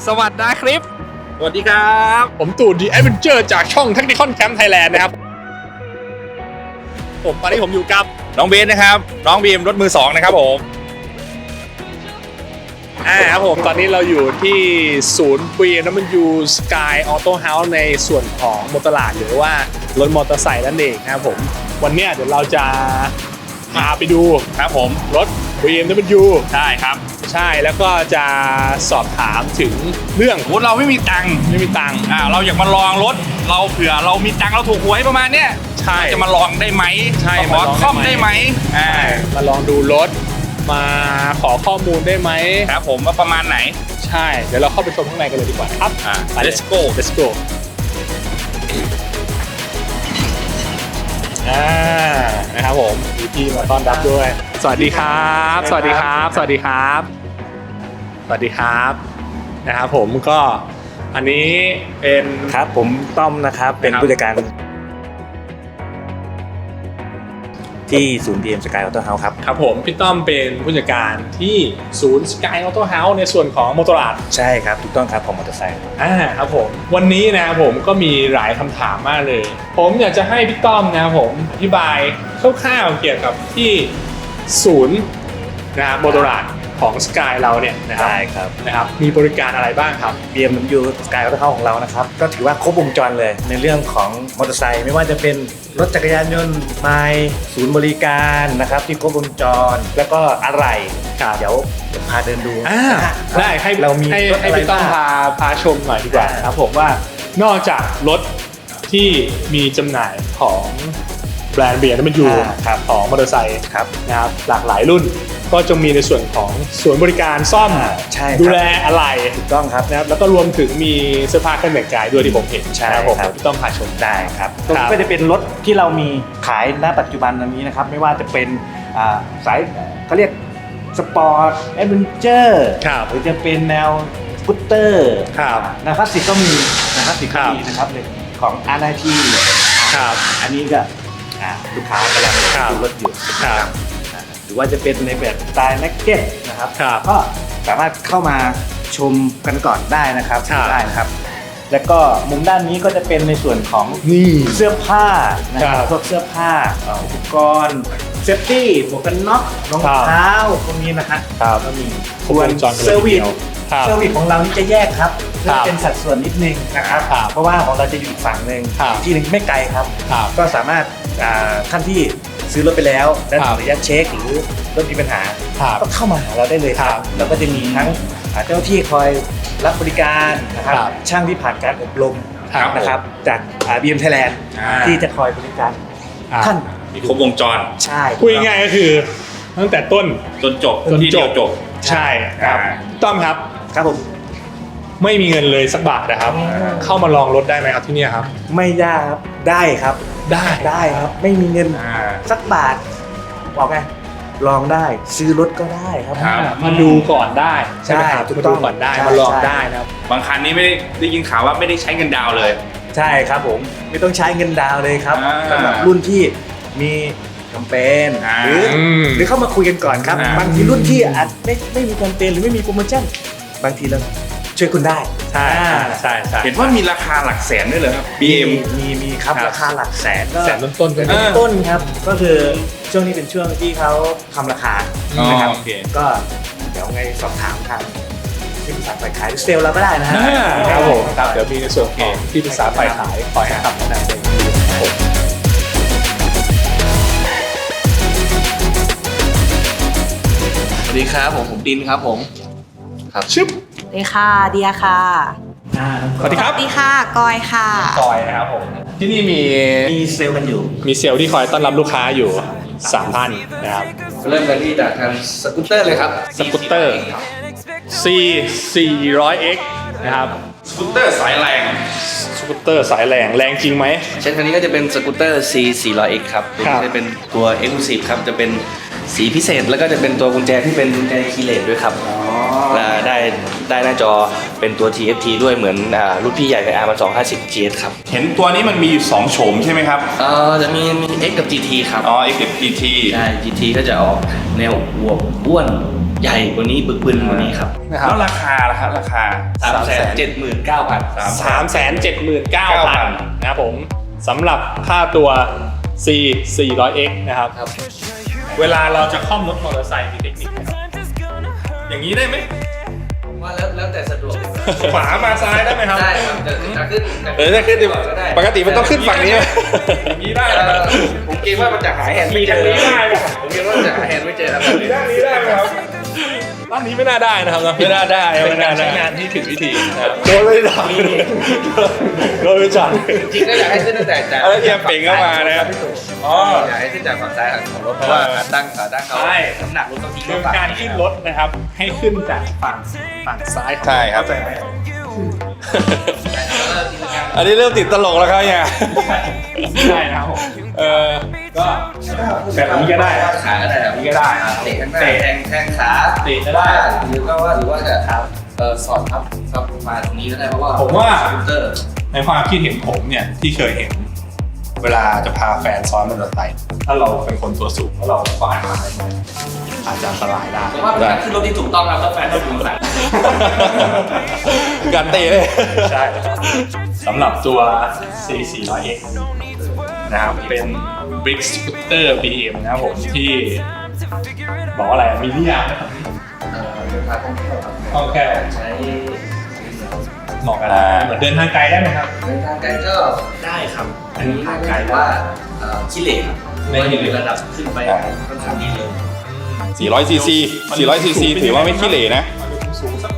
สวัสดีครับสวัสดีครับผมตู่ดีแอดเวนเจอร์จากช่อง Technical Camp Thailand นะครับตอนนี้ผมอยู่กับน้องเบนนะครับน้องบีมรถมือ2นะครับผมครับผมตอนนี้เราอยู่ที่ศูนย์ BMW Sky Auto House ในส่วนของมอเตอร์ลาดหรือว่ารถมอเตอร์ไซค์นั่นเองนะครับผมวันนี้เดี๋ยวเราจะพาไปดูครับผมรถ BMW ใช่ครับใช่แล้วก็จะสอบถามถึงเรื่องเราไม่มีตังค์เราอยากมาลองรถเราเผื่อเรามีตังค์เราถูกหวยประมาณเนี้ยใช่จะมาลองได้ไหมใช่มาลองซ่อมได้ไหมมาลองดูรถมาขอข้อมูลได้ไหมครับผมว่าประมาณไหนใช่เดี๋ยวเราเข้าไปชมข้างในกันเลยดีกว่าครับ let's go let's go นะครับผมมีพี่มาต้อนรับด้วยสวัสดีครับสวัสดีครับสวัสดีครับสวัสดีครับนะครับผมก็อันนี้เป็นครับผมต้อมนะครับเป็นผู้จัดการที่ศูนย์ BM Sky Auto House ครับครับผมพี่ต้อมเป็นผู้จัดการที่ศูนย์ Sky Auto House ในส่วนของมอเตอร์ลาดใช่ครับถูกต้องครับของมอเตอร์ไซค์ครับผมวันนี้นะครับผมก็มีหลายคำถามมากเลยผมอยากจะให้พี่ต้อมนะครับผมอธิบายคร่าวๆเกี่ยวกับที่ศูนย์นะครับมอเตอร์ลาดของ Sky เราเนี่ยนะครับมีบริการอะไรบ้างครับ BMW Sky Auto House ของเรานะครับก็ถือว่าครบวงจรเลยในเรื่องของมอเตอร์ไซค์ไม่ว่าจะเป็นรถจักรยานยนต์ไมล์ศูนย์บริการนะครับที่ครบวงจรแล้วก็อะไรเดี๋ยวพาเดินดูได้ให้เรามีให้พี่ต้อมพาชมหน่อยดีกว่าครับผมว่านอกจากรถที่มีจำหน่ายของแบรนด์ BMW ของมอเตอร์ไซค์นะครับหลากหลายรุ่นก็จะมีในส่วนของศูนย์บริการซ่อมดูแลอะไรถูกต้องครับนะครับแล้วก็รวมถึงมีเสื้อผ้าเครื่องแต่งกายด้วยที่ผมเห็นครับผมพี่ต้องพาชมได้ครับก็จะเป็นรถที่เรามีขายณปัจจุบันนี้นะครับไม่ว่าจะเป็นสายเขาเรียกสปอร์ตแอดเวนเจอร์หรือจะเป็นแนวสกูตเตอร์นะครับคลาสสิกก็มีนะครับคลาสสิกก็มีนะครับของ R90 อันนี้ก็ลูกค้ากำลังดูรถอยู่หรือว่าจะเป็นในแบบสไตล์นักเก็ตนะครับก็สามารถเข้ามาชมกันก่อนได้นะครับได้นะครับแล้วก็มุมด้านนี้ก็จะเป็นในส่วนของเสื้อผ้านะครับพวกเสื้อผ้าอุปกรณ์เซฟตี้หมวกกันน็อกรองเท้าพวกนี้นะครับก็มีส่วนเซอร์วิสของเรานี่จะแยกครับเพื่อเป็นสัดส่วนนิดนึงนะครับเพราะว่าของเราจะอยู่ฝั่งหนึ่งที่หนึ่งไม่ไกลครับก็สามารถท่านที่ซื้อรถไปแล้วและขออนุญาตเช็คหรือรถมีปัญหาก็เข้ามาหาเราได้เลยครับเราก็จะมีทั้งเจ้าหน้าที่คอยรับบริการนะครับช่างที่ผ่านการอบรมนะครับจาก BM Thailand ที่จะคอยบริการท่านมีครบวงจรใช่พูดง่ายๆก็คือตั้งแต่ต้นจนจบใช่ครับต้อมครับผมไม่มีเงินเลยสักบาทนะครับเข้ามาลองรถได้ไหมครับที่นี่ครับไม่ยากครับได้ครับได้ครับไม่มีเงินสักบาทบอกไงลองได้ซื้อรถก็ได้ครับมาดูก่อนได้ใช่ไหมครับมาดูก่อนได้มาลองได้นะครับบางคันนี้ไม่ได้ยินข่าวว่าไม่ได้ใช้เงินดาวเลยใช่ครับผมไม่ต้องใช้เงินดาวเลยครับสำหรับรุ่นที่มีแคมเปญหรือเข้ามาคุยกันก่อนครับบางทีรุ่นที่อาจไม่มีแคมเปญหรือไม่มีโปรโมชั่นบางทีเราช่วยคุณได้ใช่เห็นว่ามีราคาหลักแสนด้วยเหรอครับ BM มีครับราคาหลักแสนก็แสนต้นครับก็คือช่วงนี้เป็นช่วงที่เขาทำราคานะครับก็เดี๋ยวไงสอบถามทางที่ปรึกษาฝ่ายขายเซลล์เราก็ได้นะครับผมเดี๋ยวมีในส่วนของที่ปรึกษาฝ่ายขายคอยให้คำแนะนำเองสวัสดีครับผมดินครับผมครับชึบสวัสดีค่ะเดียค่ะสวัสดีครับสวัสดีค่ะกอยค่ะกอยนะครับผมที่นี่มีเซลล์กันอยู่มีเซลล์ที่คอยต้อนรับลูกค้าอยู่3 ท่านนะครับเริ่มกันที่จากทางสกูตเตอร์เลยครับสกูตเตอร์ C400X นะครับสกูตเตอร์สายแรงแรงจริงไหมเช่นคันนี้ก็จะเป็นสกูตเตอร์ C400X ครับจะเป็นตัว Exclusive ครับจะเป็นสีพิเศษแล้วก็จะเป็นตัวกุญแจที่เป็นกุญแจคีย์เลสด้วยครับได้หน้าจอเป็นตัว TFT ด้วยเหมือนรุ่นพี่ใหญ่ใน R250 GS ครับเห็นตัวนี้มันมีอยู่2โฉมใช่ไหมครับจะมี X กับ GT ครับ X กับ GT ใช่ GT ก็จะออกแนวอวบอ้วนใหญ่กว่านี้บึกบึนกว่านี้ครับนะครับแล้วราคาล่ะฮะราคา 379,000 379,000 นะครับผมสำหรับค่าตัว C 400X นะครับครับเวลาเราจะคล่อมรถมอเตอร์ไซค์มีเทคนิคไหมครับอย่างนี้ได้ไหมว่าแล้วแต่สะดวกขวามาซ้ายได้ไหมครับได้ครับจะขึ้นจะขึ้นดิก็ได้ปกติมันต้องขึ้นฝั่งนี้ไหมอย่างนี้ได้นะครับผมเกรงว่ามันจะหาแฮนด์มีไม่เจทางอนี้ได้ไหมครับผมเกรงว่าจะหาแฮนด์ไม่เจอครับด้านนี้ได้ไหมครับด้านนี้ไม่น่าได้นะครับไม่น่าได้เป็นการไม่น่าได้ใช้งานที่ผิดวิธีนะครับโดนเลยดังโดนไปจัดจริงๆก็อยากให้ขึ้นตั้งแต่จากแล้วเฮียเป่งเข้ามานะครับอ๋ออยากให้ขึ้นจากฝั่งซ้ายของรถเพราะว่าขาตั้งเขาใช่น้ำหนักรถต้องทิ้งคือฝั่งการขึ้นรถนะครับ ให้ขึ้นจากฝั่งซ้ายของใช่ครับเข้าใจไหมอันนี้เริ่มติดตลกแล้วครับเนี่ยใช่นะครับผมเออก็แบบนี้ก็ได้ขาก็ได้แบบนี้ก็ได้เตะข้างหน้าแทงขาเตะก็ได้หรือว่าจะสอดทับมาตรงนี้ก็ได้เพราะว่าผมว่าสกูตเตอร์ในความคิดเห็นผมเนี่ยที่เคยเห็น เวลาจะพาแฟนซ้อนมอเตอร์ไซค์ถ้าเราเป็นคนตัวสูงแล้วเราควานมาอาจจะอันตรายได้ผมว่าเป็นการขึ้นรถที่ถูกต้องครับถ้าแฟนต้องอยู่ข้างหลังการเตะเลยใช่ครับสำหรับตัว C 400X นะครับเป็น Brick Scooter BM นะครับผมที่บอกว่าอะไรมีนิยามไหมครับเดินทางท่องเที่ยวครับโอเคใช้เหมาะกันเหมือนเดินทางไกลได้ไหมครับเดินทางไกลก็ได้ครับ อันนี้ทางไกลว่าขี้เหร่ครับไม่ไม่ขี้เหร่มีระดับขึ้นไปค่อนข้างดีเลย 400 cc 400 cc ถือว่าไม่ขี้เหร่นะมันสูงสัก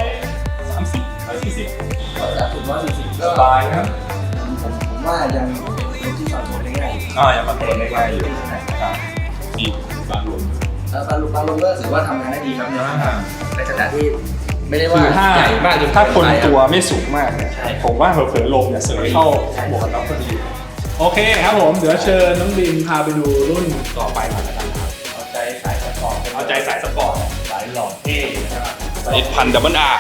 130 140 ระดับสุด140ก็สบายครับผมว่ายังเป็นที่สอนผมได้ง่ายอยู่ยังมาเปิดได้ง่ายอยู่ครับมีบางหลุมบางลงก็ถือว่าทำงานได้ดีครับในขณะที่ไม่ได้ว่าคือถ้าใหญ่มากจนถ้าคนเกิไปตัวไม่สูงมากเนี่ยใช่ผมว่าเผลอๆลมเนี่ยเสยเข้าหมวกกันน็อกพอดีโอเคครับผมเดี๋ยวเชิญน้องบินพาไปดูรุ่นต่อไปหน่อยละกันครับเอาใจสายสปอร์ตเอาใจสายสปอร์ตสายหล่อเท่นะครับ 1,000 double R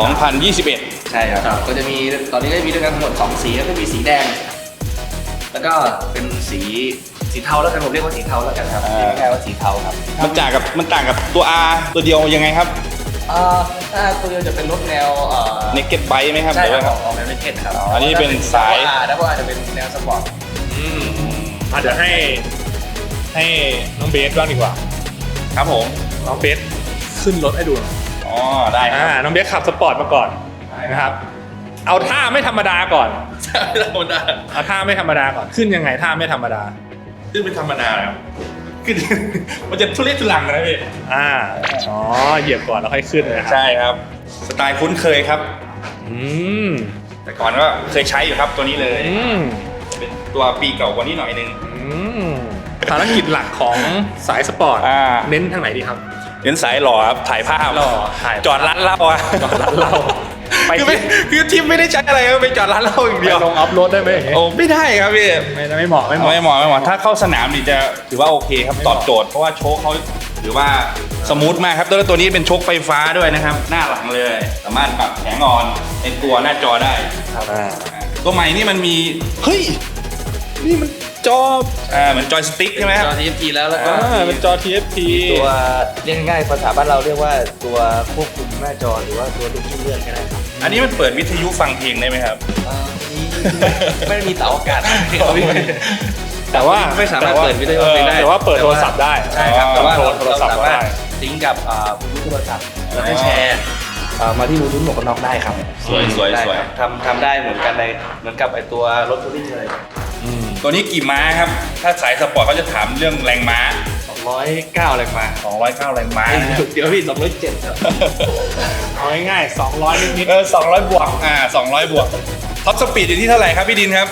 2021 ใช่ครับก็จะมีตอนนี้ก็มีด้วยกันทั้งหมด2สีก็จะมีสีแดง แล้วก็เป็นสีเทาแล้วกันผมเรียกว่าสีเทาแล้วกันครับเรียกง่ายๆว่าสีเทาครับมันต่างกับตัว R ตัวเดียวยังไงครับถ้าตัวเดียวจะเป็นรถแนว naked bike ไหมครับใช่หรือครัว่าบออกแนวเนเก็ตครับอันนี้เป็นสายแล้วก็อาจจะเป็นแนวสปอร์ตเดี๋ยวให้น้องเบสบ้างดีกว่าครับผมน้องเบสขึ้นรถให้ดูหน่อยอ๋อ ได้ครับน้องเบสขับสปอร์ตมาก่อนนะครับ เอาท่าไม่ธรรมดาก่อนธรรมดาเอาท่าไม่ธรรมดาก่อน ขึ้นยังไงท่าไม่ธรรมดาขึ้นเป็นธรรมดาครับขึ้น มันจะทุเรศทุลังนะพี่เหยียบก่อนแล้วค่อยขึ้นนะครับใช่ครับ สไตล์คุ้นเคยครับอืมแต่ก่อนก็เคยใช้อยู่ครับตัวนี้เลยอืมเป็นตัวปีเก่ากว่านี้หน่อยนึงภารกิจหลักของสายสปอร์ตอ่าเน้นทางไหนดีครับเน้นสายหล่อครับ ถ่ายภาพหล่อถ่ายภาพจอดร้านเหล้าอะจอดร้านเหล้าไปคือทีมไม่ได้ใช้อะไรครับไปจอดร้านเหล้าอย่างไปเดียวลงอัพโหลดได้ไหมอย่างเงี้ยโอ้ไม่ได้ครับพี่ไม่เหมาะไม่เหมาะไม่เหมาะถ้าเข้าสนามนี่จะถือว่าโอเคครับไม่เหตมาะอบโจทย์เพราะว่าโชคเขาถือว่าสมูทมากครับแล้วตัวนี้เป็นโชคไฟฟ้าด้วยนะครับ หน้าหลังเลย สามารถปรับแผงออนในตัวหน้าจอได้ ตัวใหม่นี่มันมีเฮ้ยนี่มันจอเหมือนจอยสติ๊กใช่ไหมครับจอ TFT แล้วก็เป็นจอ TFT ตัวเรียกง่ายๆภาษาบ้านเราเรียกว่าตัวควบคุมหน้าจอหรือว่าตัวลูกชิ้นเลื่อนก็ได้ครับอันนี้มันเปิดวิทยุฟังเพลงได้ไหมครับไม่ได้มีเสาอากาศแต่ว่าไม่สามารถเปิดวิดีโอเพลงได้แต่ว่าเปิดโทรศัพท์ได้ใช่ครับแต่ว่าโทรศัพท์เราก็สามารได้ถซิงก์กับบลูทูธโทรศัพท์แล้วก็แชร์มาที่บลูทูธหมวกกันน็อกได้ครับสวยได้สวยครับทำได้เหมือนกันในเหมือนกับไอตัวรถทัวริงเลยตัวนี้กี่ม้าครับ ถ้าสายสปอร์ตเขาจะถามเรื่องแรงม้า 209แรงม้า 209แรงม้านะครับเดี๋ยวพี่207ครับเอาง่ายๆ200นิด 200 บวก200 บวกท็อปสปีดอยู่ที่เท่าไหร่ครับพี่ดินครับ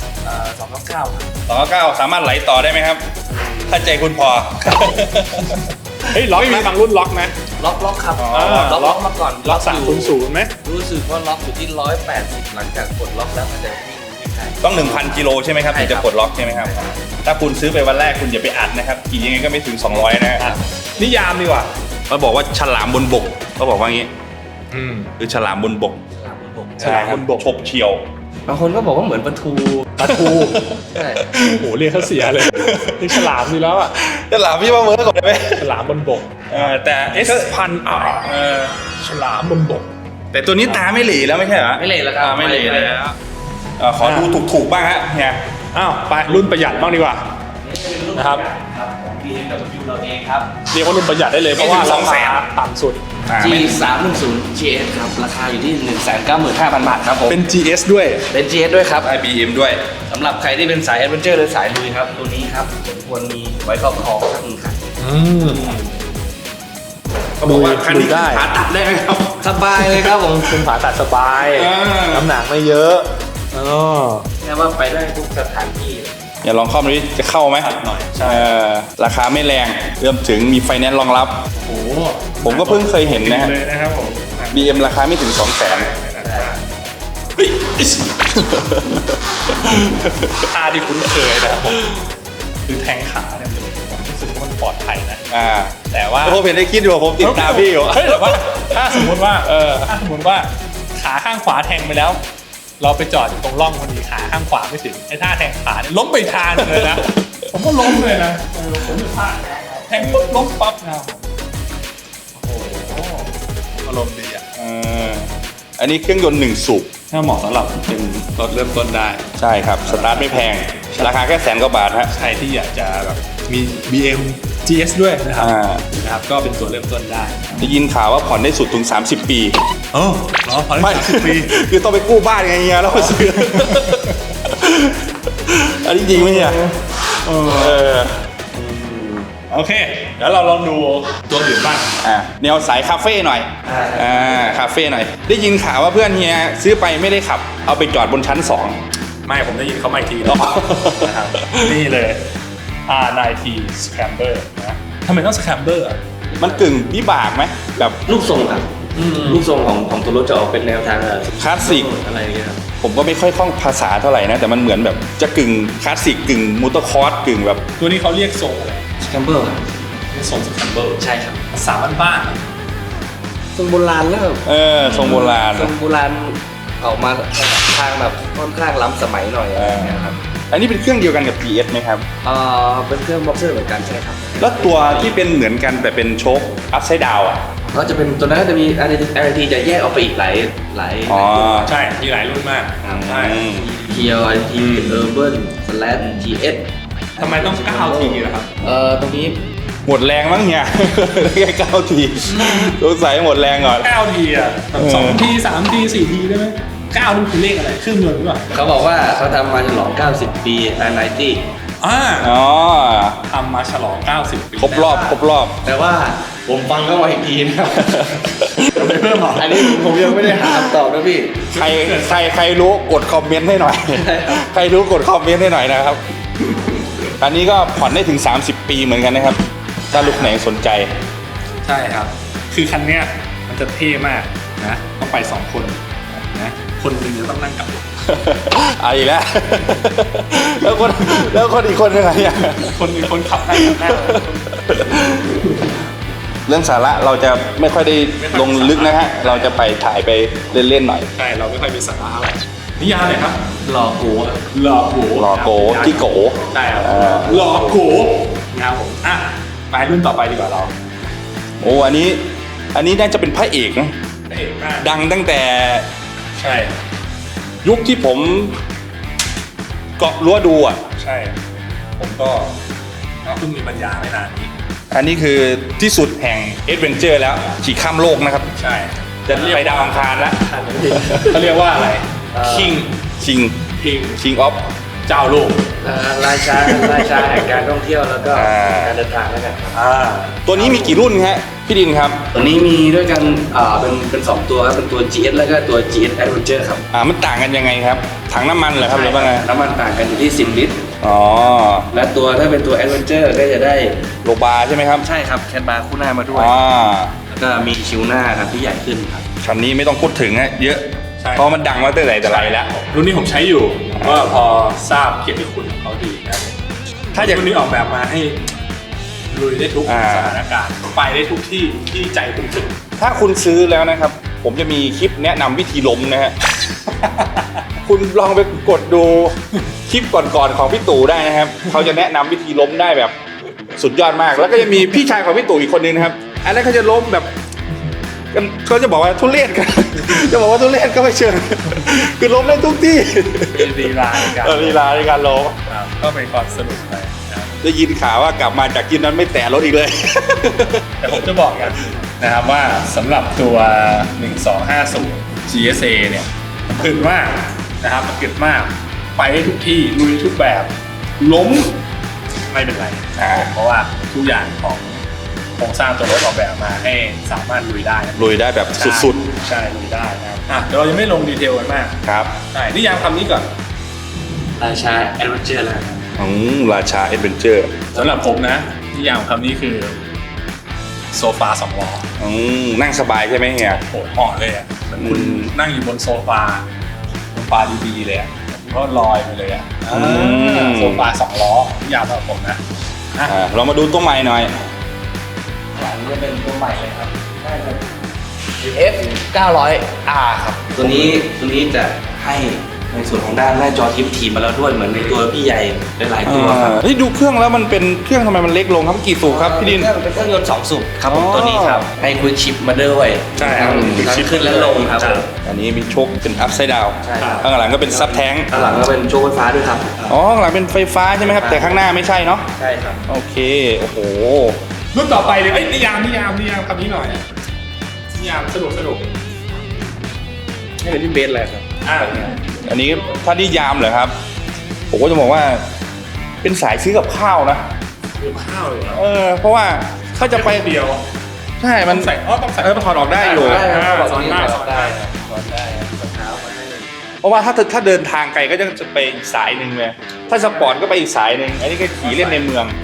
299 209สามารถไหลต่อได้ไหมครับ ถ้าใจคุณพอๆเฮ้ยล็อกไหมบางรุ่นล็อกไหมล็อกครับอ๋อล็อกมาก่อนล็อกอยู่ 300ไหมรู้สึกว่าล็อกอยู่ที่180หลังจากกดล็อกแล้วมันจะวิ่งได้ต้อง 1,000 กิโลใช่ไหมครับใช่ถึงครัจะบปลดล็อกใช่ไหมครับ ถ้าคุณซื้อไปวันแรกคุณอย่าไปอัดนะครับขี่ยังไงก็ไม่ถึง 200 นะฮะนิยามดีกว่าเขาบอกว่าฉลามบนบกเขาบอกว่างี้คือฉลามบนบกฉลามบนบกฉบเฉียวบางคนก็บอกว่าเหมือนปลาทูปลาทูใช่โอ้โหเรียกเขาเสียเลยนี่ฉลามดีแล้วอ่ะจะหลามพี่ว่าเมื่อก่อนได้ไหมฉลามบนบกแต่ S1000R ฉลามบนบกแต่ตัวนี้ตาไม่เหล่แล้วไม่ใช่เหรอไม่เหล่แล้วครับไม่เหล่แล้วขอดูถูกๆบ้างฮะเนี่ยอ้าวไปรุ่นประหยัดบ้างดีกว่า นะครับครับของ BMW เราเองครับเรียกว่ารุ่นประหยัดได้เลยเพราะว่าราคาต่ำสุด G310 GS ครับราคาอยู่ที่ 195,000 บาทครับผมเป็น GS ด้วยเป็น GS ด้วยครับ IBM ด้วยสำหรับใครที่เป็นสายแอดเวนเจอร์หรือสายลุยครับ ตัวนี้ครับสมควรมีไว้ครอบครองสักหนึ่งคันเขาบอกว่าคันนี้ได้ผ่าตัดได้ไหมครับสบายเลยครับผมคุณผ่าตัดสบายอ่าน้ำหนักไม่เยอะอ๋อแค่ว่าไปได้ทุกสถานที่อย่าลองเข้ามาดิจะเข้าไหมหน่อยใช่ราคาไม่แรงเริ่มถึงมีไฟแนนซ์รองรับโอ้โหผมก็เพิ่งเคยเห็นนะฮะเลยนะครับผม BM ราคาไม่ถึง 200,000 ท่าที่คุ้นเคยนะครับผมคือแทงขาเนี่ยผมรู้สึกว่ามันปลอดภัยนะ แต่ว่าผมเห็นได้คิดอยู่ผมติดตามพี่อยู่เฮ้ยแต่ว่าถ้าสมมติว่าถ้าสมมติว่าขาข้างขวาแทงไปแล้ว เราไปจอดอยู่ตรงร่องพอดีขาข้างขวาไม่ถึงไอ้ท่าแทงขาเนี่ยล้มไปทางเลยนะ ผมก็ล้มเลยนะผมจะพลาดแทงปุ๊บล้มปั๊บนะโอ้โหอารมณ์ดีอ่ะอันนี้เครื่องยนต์1 สูบถ้าเหมาะสำหรับเป็นรถเริ่มต้นได้ใช่ครับ สตาร์ทไม่แพง ราคาแค่100,000 กว่าบาทฮะใครที่อยากจะแบบมี BM GS ด้วยนะครับ นะครับก็เป็นตัวเริ่มต้นได้ได้ยินข่าวว่าผ่อนได้สุดถึง 30 ปีเออเหรอผ่อนไม่ได้30 ปีคือต้องไปกู้บ้านไงเงี้ยแล้วมาซื้อ อันนี้จริงไหมเนี่ยโอเคเดี๋ยวเราลองดูตัวอื่นบ้างแนวสายคาเฟ่หน่อยคาเฟ่หน่อย ได้ยินข่าวว่าเพื่อนเฮียซื้อไปไม่ได้ขับ เอาไปจอดบนชั้นไม่ผมได้ยินเขามาอีกทีแล้วนะครับนี่เลย R9T Scrambler นะทำไมต้อง Scrambler อ่ะ 2 มันกึ่งวิบากไหมแบบลูกทรงครับลูกทรงของตัวรถจะออกเป็นแนวทางคลาสสิกอะไรอย่างเงี้ยครับผมก็ไม่ค่อยคล่องภาษาเท่าไหร่นะ แต่มันเหมือนแบบจะกึ่งคลาสสิกกึ่งมอเตอร์คอร์สกึ่งแบบตัวนี้เขาเรียกทรงอะไรสแคมเบอร์ครับเรียกทรง Scrambler ใช่ครับสามบ้านๆอะทรงโบราณแล้วทรงโบราณทรงโบราณออกมาทางแบบค่อนข้างล้ำสมัยหน่อยอะไรอย่างเงี้ยครับอันนี้เป็นเครื่องเดียวกันกับ GS ไหมครับเป็นเครื่องบ็อกเซอร์เหมือนกันใช่ครับแล้วตัวที่เป็นเหมือนกันแต่เป็นโชคอัพไซด์ดาวอ่ะก็จะเป็นตัวนั้นก็จะมี RT จะแยกออกไปอีกหลายอ๋อใช่มีหลายรุ่นมากใช่เคียว RT Urban Slash GS ทำไมต้อง 9T ล่ะครับตรงนี้หมดแรงมั้งเนี่ย แค่9 ทีสงสัยหมดแรงก่อน 9T อ่ะ2 T 3 T 4 T ได้ไหม9นี่คือเลขอะไรเครื่องยนต์หรือเปล่าเขาบอกว่าเขาทำมาฉลอง 90 ปี R90 อ๋อทำมาฉลอง 90 ปีครบรอบแต่ว่าผมฟังเข้ามาอีกทีนะครับจะไม่เพิ่มหรออันนี้ผมยังไม่ได้หาคำตอบนะพี่ใครรู้กดคอมเมนต์ให้หน่อย ใครรู้กดคอมเมนต์ให้หน่อยนะครับ อันนี้ก็ผ่อนได้ถึง 30 ปีเหมือนกันนะครับ ถ้าลูกไหนสนใจใช่ครับ คือคันเนี้ยมันจะเท่มากนะต้องไป 2 คนนะคนหนึงจะต้องนั่งกับเอาอีกแล้ว แล้วคนอีกคนยังไงอ่ะคนขับนั่งกับหน้าเรื่องสาระเราจะไม่ค่อยได้ลงลึกนะฮะ เราจะไปถ่ายไปเล่นๆหน่อยใช่เราไม่ค่อยมีสาระอะไรนิยามเลยครับหลอกกูหล่อโกหล่อโกจิโกใช่ครับหล่อโกนะครับผมอ่ะไปรุ่นต่อไปดีกว่าเราโอ้อันนี้น่าจะเป็นพระเอกนะพระเอกมากดังตั้งแต่ใช่ยุคที่ผมเกาะรั้วดูอ่ะใช่ ผมก็เพิ่งมีปัญญาไม่นานนี้อันนี้คือที่สุดแห่งเอดเวนเจอร์แล้วขี่ข้ามโลกนะครับใช่จะไปดาวอังคารแล้วเขาเรียกว่าอะไรคิงคิงออฟเจ้าโลกราชาแห่งการท่องเที่ยวแล้วก็การเดินทางแล้วกันครับตัวนี้มีกี่รุ่นฮะพี่ดินครับตัวนี้มีด้วยกันเป็น2ตัวครับเป็นตัว GS แล้วก็ตัว GS Adventure ครับมันต่างกันยังไงครับ ถังน้ำมันเหรอครับหรือว่าไงน้ำมันต่างกันอยู่ที่10 ลิตรอ๋อและตัวถ้าเป็นตัว Adventure ก็จะได้โลบาร์ใช่ไหมครับใช่ครับแคทบาร์คู่หน้ามาด้วยอ๋อแล้วก็มีคิวหน้าครับที่ใหญ่ขึ้นครับคันนี้ไม่ต้องพูดถึงฮะเยอะใช่เพราะมันดังมาตั้งแต่ไรแล้วรุ่นนี้ผมใช้อยู่ก็พอทราบเกียรติคุณของเขาดีนะถ้าอยากรุ่นนี้ออกแบบมาให้ลุยได้ทุกอ่าสถานการณ์ไปได้ทุกที่ที่ใจคุณถึงถ้าคุณซื้อแล้วนะครับ ผมจะมีคลิปแนะนำวิธีล้มนะฮะคุณลองไปกดดูคลิปก่อนๆของพี่ตู่ได้นะครับเขาจะแนะนำวิธีล้มได้แบบสุดยอดมาก แล้วก็จะมีพี่ชายของพี่ตู่อีกคนนึงนะครับอันนั้นเขาจะล้มแบบเขาจะบอกว่าทุเรศกัน จะบอกว่าทุเรศก็ไม่เชิงคือล้มได้ทุกที่ลีลาในการลีลาในการล้มครับก็เป็นความสนุกไปนะครับได้ยินข่าวว่ากลับมาจากที่นั้นไม่แตะรถอีกเลยแต่ผมจะบอกกันนะครับว่าสำหรับตัว 1250 GSA เนี่ยมันกึดมากนะครับมันกึดมากไปได้ทุกที่ลุยทุกแบบล้มไม่เป็นไรเพราะว่าทุกอย่างของโครงสร้างตัวรถออกแบบมาให้สามารถลุยได้นะลุยได้แบบสุดใช่ลุยได้นะครับเดี๋ยวเราจะไม่ลงดีเทลกันมากๆครับใช่นิยามคำนี้ก่อนราชาแอดเวนเจอร์แล้วราชาเอดเวนเจอร์สำหรับผมนะนิยามคำนี้คือโซฟา2 ล้อนั่งสบายใช่ไหมเฮียโหเหาะเลยอ่ะเหมือนคุณนั่งอยู่บนโซฟาดีๆเลยอ่ะก็ลอยไปเลยอ่ะโซฟา2 ล้อนิยามสำหรับผมนะเรามาดูตัวใหม่หน่อยหลังจะเป็นตัวใหม่เลยครับได้ครับ F 900R ครับตัวนี้จะให้ในส่วนของด้านหน้าจอทิปทีมาแล้วด้วยเหมือนในตัวพี่ใหญ่หลายๆตัวครับเฮ้ยดูเครื่องแล้วมันเป็นเครื่องทำไมมันเล็กลงครับกี่สูบครับพี่ดินเป็นเครื่องยนต์2 สูบครับผมอ๋อตัวนี้ครับให้คุยชิปมาด้วยใช่ครับทั้งขึ้นและลงครับผมอันนี้มีโชคเป็นอัพไซด์ดาวใช่ครับข้างหลังก็เป็นซับแท้งข้างหลังก็เป็นโชว์ไฟฟ้าด้วยครับอ๋อข้างหลังเป็นไฟฟ้าใช่ไหมครับแต่ข้างหน้าไม่ใช่เนาะใช่ครับโอเคโอ้โหรุ่นต่อไปเลยนิยามคำนี้หน่อยนิยามสนุกนี่เป็นพี่เบสเลยครับอันนี้ถ้านิยามเหรอครับผมก็จะบอกว่าเป็นสายซื้อกับข้าวนะข้าวเลยเหรอเพราะว่าเขาจะไปเดียวใช่มันต้องใส่ต้องใส่มันถอดออกได้อยู่ได้ครับสอนได้สอนได้เพราะว่าถ้าเดินทางไกลก็จะไปอีกสายหนึ่งเลยถ้าสปอร์ตก็ไปอีกสายหนึ่งอันนี้ก็ขี่เล่นในเมือง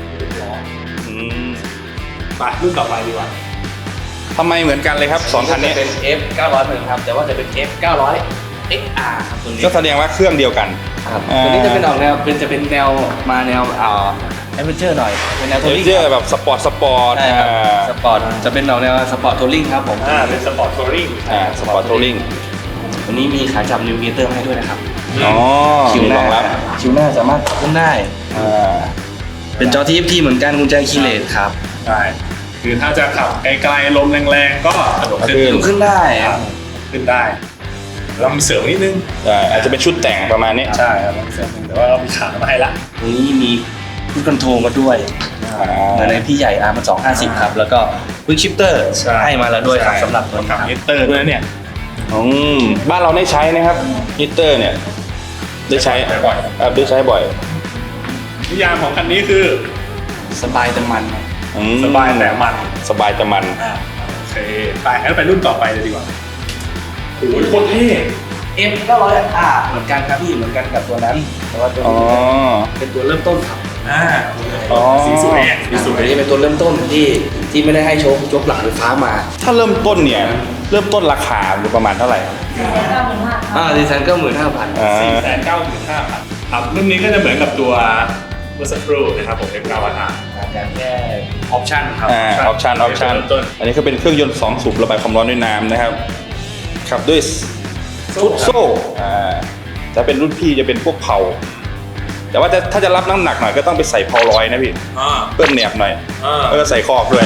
ไปรุ่นต่อไปดีกว่าทำไมเหมือนกันเลยครับสองคันนี้เป็น F 900เหมือนครับแต่ว่าจะเป็น F 900 XR ครับตัวนี้ก็แสดงว่าเครื่องเดียวกันครับตัวนี้จะเป็นออกแนวจะเป็นแนวมาแนวแอดเวนเจอร์หน่อยเป็นแนวทัวริงเจอแบบสปอร์ตใช่ครับสปอร์ตจะเป็นออกแนวสปอร์ตทัวริงครับผมเป็นสปอร์ตทัวริงสปอร์ตทัวริงตัวนี้มีขาจับนิวเกเตอร์ให้ด้วยนะครับอ๋อคิวหรน้าองรับคิวหน้าสามารถปรับขึ้นได้ เป็นจอ TFT เหมือนกันกุญแจคีย์เลสครับใช่คือถ้าจะขับไกลๆลมแรงๆก็กระโดดขึ้นลุกขึ้นได้ขึ้นได้เรามีเสริมนิดนึงอาจจะเป็นชุดแต่งประมาณนี้ใช่ครับมีเสริมนิดนึงแต่ว่าเรามีขามาให้ละตรงนี้มีพุทคอนโทรลมาด้วยเหมือนในพี่ใหญ่อาร์มัน250ครับแล้วก็วิกชิปเตอร์ให้มาแล้วด้วยครับสำหรับตัวนี้ขับครับมิเตอร์ด้วยนะเนี่ยบ้านเราได้ใช้นะครับฮีตเตอร์เนี่ยได้ใช้บ่อยได้ใช้บ่อยนิยามของคันนี้คือสบายแต่มันสบายแต่มันสบายแต่มันโอเคไปงั้นไปรุ่นต่อไปเลยดีกว่าโอ้ยโคตรเท่ F 900R เหมือนกันครับพี่เหมือนกันกับตัวนั้นแต่ว่าตัวอ๋อนี้เป็นตัวเริ่มต้นครับสีสวยสีสตัววยนี้เป็นตัวเริ่มต้นที่ไม่ได้ให้โชคหลังไฟฟ้ามาถ้าเริ่มต้นเนี่ยเริ่มต้นราคาอยู่ประมาณเท่าไหร่ครับดีไซน์ก็15,000 495,000ครับรุ่นนี้ก็จะเหมือนกับตัวเมื่อสักครู่นะครับผม F9R แต่แค่ออปชั่นครับออปชั่นเริ่มต้นอันนี้ก็เป็นเครื่องยนต์2สูบระบายความร้อนด้วยน้ำนะครับขับด้วยฟุตโซ่จะเป็นรุ่นพี่จะเป็นพวกเผาแต่ว่าถ้าจะรับน้ำหนักหน่อยก็ต้องไปใส่เผาร้อยนะพี่เพิ่มแหนบหน่อยแล้วก็ใส่คอกด้วย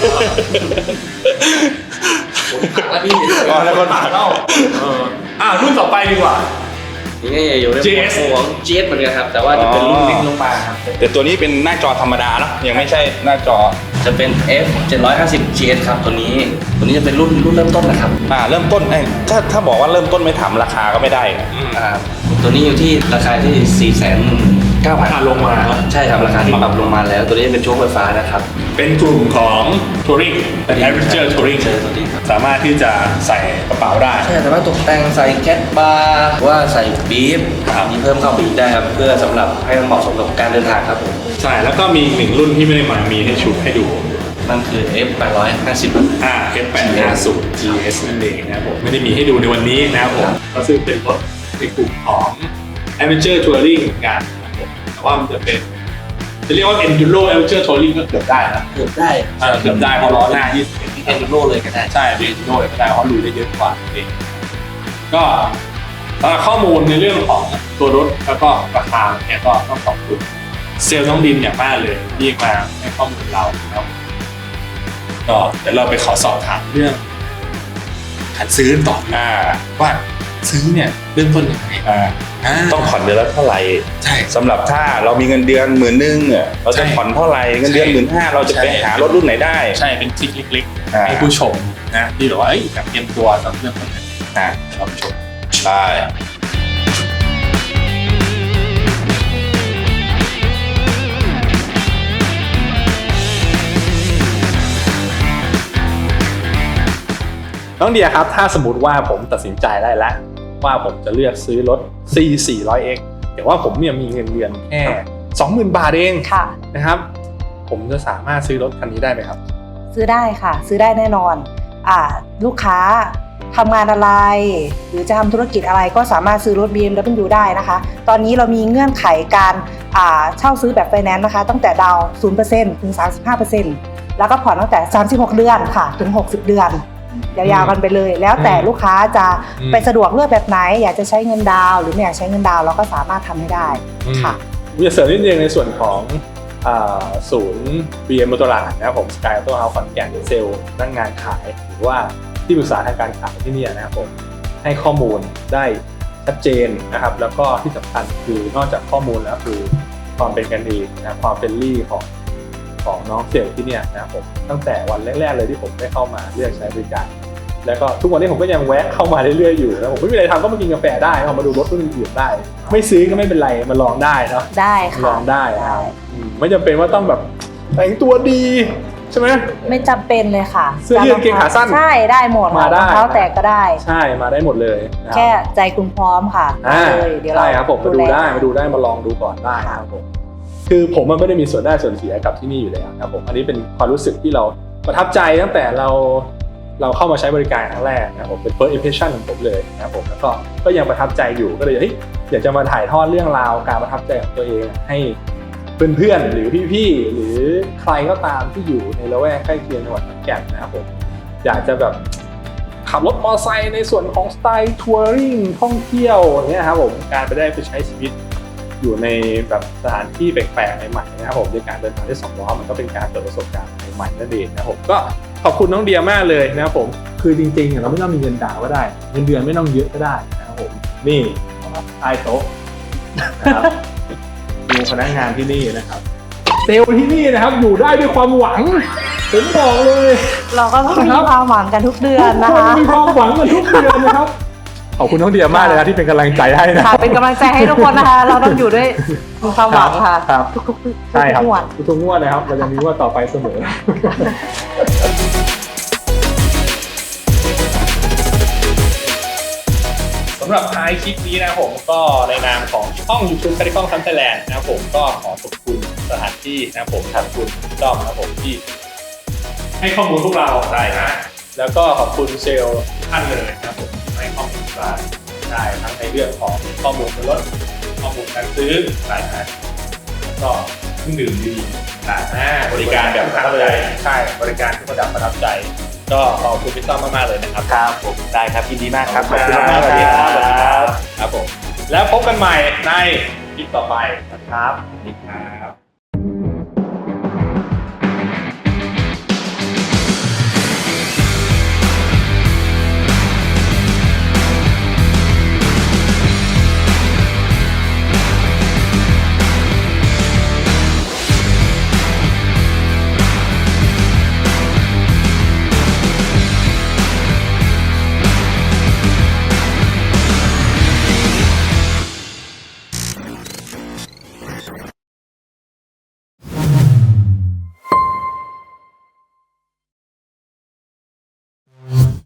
แล้วพี่อ๋อแล้วก็รุ่นต่อไปดีกว่านี่ก็อยู่ใน GS ของ GS เหมือนกันครับแต่ว่าจะเป็นรุ่นเล็กลงมาครับแต่ตัวนี้เป็นหน้าจอธรรมดาเนอะยังไม่ใช่หน้าจอจะเป็น F 750 GS ครับตัวนี้จะเป็นรุ่นเริ่มต้นนะครับเริ่มต้นถ้าบอกว่าเริ่มต้นไม่ถามราคาก็ไม่ได้ตัวนี้อยู่ที่ราคาที่ 4,900,000 ลงมาใช่ครับราคาที่ปรับลงมาแล้วตัวนี้เป็นโชว์ไฟฟ้านะครับเป็นกลุ่มของ Touring เป็น Adventure Touring ตัวนี้ครับสามารถที่จะใส่กระเป๋าได้ใช่แต่ว่าตกแต่งใส่แคทบาร์ว่าใส่บีฟมีเพิ่มเข้าไปอีกได้ครับเพื่อสำหรับให้มันเหมาะสมกับการเดินทางครับผมใช่แล้วก็มีอีกหนึ่งรุ่นที่ไม่ได้มามีให้ชุดให้ดูนั่นคือ F 850 F850 GS นั่นเองนะครับผมไม่ได้มีให้ดูในวันนี้นะครับผมก็ซึ่งเป็นรถในกลุ่มของ Adventure Touring เหมือนกันนะครับผมแต่ว่ามันจะเรียกว่า Enduro Adventure Touring ก็เกือบได้นะเกือบได้เกือบได้เพราะล้อหน้า21 เอ็นโรเลยก็ได้ใช่เป็น Enduro ก็ได้เพราะลุยได้เยอะกว่าเองก็ข้อมูลในเรื่องของตัวรถแล้วก็ราคาเนี่ยก็ต้องขอบคุณเซลล์น้องดินอย่างมากเลยที่มาให้ข้อมูลเรานะครับก็เดี๋ยวเราไปขอสอบถามเรื่องการซื้อต่อว่าซื้อเนี่ยเริ่มต้นยังไงต้องผ่อนเดือนละเท่าไหร่ใช่สำหรับถ้าเรามีเงินเดือน10,000เราจะผ่อนเท่าไหร่เงินเดือน15,000เราจะไปหารถรุ่นไหนได้ใช่เป็นทริคเล็กๆให้ผู้ชมนะที่แบบว่าแบบเตรียมตัวสำหรับเรื่องพวกนี้เราชมใช่น้องเดียครับถ้าสมมติว่าผมตัดสินใจได้แล้วว่าผมจะเลือกซื้อรถ C 400X แต่ว่าผมเนี่ยมีเงินเดือนแค่ 20,000 บาทเองค่ะนะครับผมจะสามารถซื้อรถคันนี้ได้ไหมครับซื้อได้ค่ะ ซื้อได้แน่นอนลูกค้าทำงานอะไร หรือจะทำธุรกิจอะไรก็สามารถซื้อรถ BMW ได้นะคะ ตอนนี้เรามีเงื่อนไขการเช่าซื้อแบบไฟแนนซ์นะคะตั้งแต่ดาวน์ 0% ถึง 35% แล้วก็ผ่อนตั้งแต่ 36 เดือนค่ะถึง 60 เดือนยาวๆกันไปเลย แล้วแต่ลูกค้าจะไปสะดวกเลือกแบบไหนอยากจะใช้เงินดาวน์หรือไม่อยากใช้เงินดาวน์เราก็สามารถทำให้ได้ค่ะมีเสริมนิดนึงในส่วนของศูนย์ BM มอเตอร์ลาดนะครับผม Sky Auto House ขอนแก่นเซลล์พนักงานขายหรือว่าที่ปรึกษาทางการขายที่นี่นะครับผมให้ข้อมูลได้ชัดเจนนะครับแล้วก็ที่สำคัญคือนอกจากข้อมูลแล้วคือความเป็นกันเองนะความเฟรนลี่ของน้องเซลล์ที่เนี่ยนะครับผมตั้งแต่วันแรกๆเลยที่ผมได้เข้ามาเลือกใช้บริการแล้วก็ทุกวันนี้ผมก็ยังแวะเข้ามาเรื่อยๆอยู่นะผมไม่มีอะไรทำก็มากินกาแฟได้มาดูรถรุ่นอื่นๆได้ไม่ซื้อก็ไม่เป็นไรมาลองได้เนาะได้ค่ะลองได้นะครับไม่จำเป็นว่าต้องแบบแต่งตัวดีใช่ไหมไม่จำเป็นเลยค่ะเสื้อยืดกางเกงขาสั้นใช่ได้หมดมาได้รองเท้าแตกก็ได้ใช่มาได้หมดเลยนะครับแค่ใจคุณพร้อมค่ะเลยเดี๋ยวเราใช่ครับผมมาดูได้มาลองดูก่อนได้ครับผมคือผมมันไม่ได้มีส่วนได้ส่วนเสียกับที่นี่อยู่แล้วครับผมอันนี้เป็นความรู้สึกที่เราประทับใจตั้งแต่เราเข้ามาใช้บริการครั้งแรกนะครับผมเป็น first impression ของผมเลยนะครับผมแล้วก็ยังประทับใจอยู่ก็เลยอยากจะมาถ่ายทอดเรื่องราวการประทับใจของตัวเองให้เพื่อนๆหรือพี่ๆหรือใครก็ตามที่อยู่ในละแวกใกล้เคียงจังหวัดขอนแก่นนะครับผมอยากจะแบบขับรถมอเตอร์ไซค์ในส่วนของสไตล์ทัวริงท่องเที่ยวอย่างเงี้ยครับผมการไปได้ไปใช้ชีวิตอยู่ในแบบสถานที่แปลกๆใหม่ๆนะครับผมในการเดินทางด้วย2 ล้อมันก็เป็นการเปิดประสบการณ์ใหม่ๆนั่นเองนะครับผมก็ขอบคุณน้องเดียมากเลยนะครับผมคือจริงๆเราไม่ต้องมีเงินดาวก็ได้เงินเดือนไม่ต้องเยอะก็ได้นะครับผมนี่ใต้โต๊ะนะครับดูพนักงานที่นี่นะครับเซลล์ที่นี่นะครับอยู่ได้ด้วยความหวังผมบอกเลยเราก็ต้องมีความหวังกันทุกเดือนนะทุกคะมีความหวังกันทุกเดือนนะครับขอบคุณน้องเดียมากเลยนะที่เป็นกำลังใจให้นะค่ะเป็นกำลังใจให้ทุกคนนะคะ เราต้องอยู่ด้วยมีความหวังค่ะครับทุกใช่ครับงวดทุกงวดนะครับเราจะมีงวดต่อไปเสมอ สำหรับท้ายคลิปนี้นะผมก็ในนามของช่อง YouTube คาริคองทัมไทยแลนด์นะครับผมก็ขอขอบคุณสถานที่นะครับผมขอบคุณด้อมนะครับผมที่ให้ข้อมูลพวกเราได้นะแล้วก็ขอบคุณเซลล์ท่านเลยนะครับผมให้ข้อมูลเราได้ทั้งในเรื่องของข้อมูลรถข้อมูลการซื้อนะก็เครื่องดื่มดีๆบริการแบบประทับใจใช่บริการที่ระดับประทับใจก็ขอบคุณพี่ต้อมมากๆเลยนะครับครับผมได้ครับยินดีมากครับขอบคุณมากๆครับผมแล้วพบกันใหม่ในคลิปต่อไปนะครับ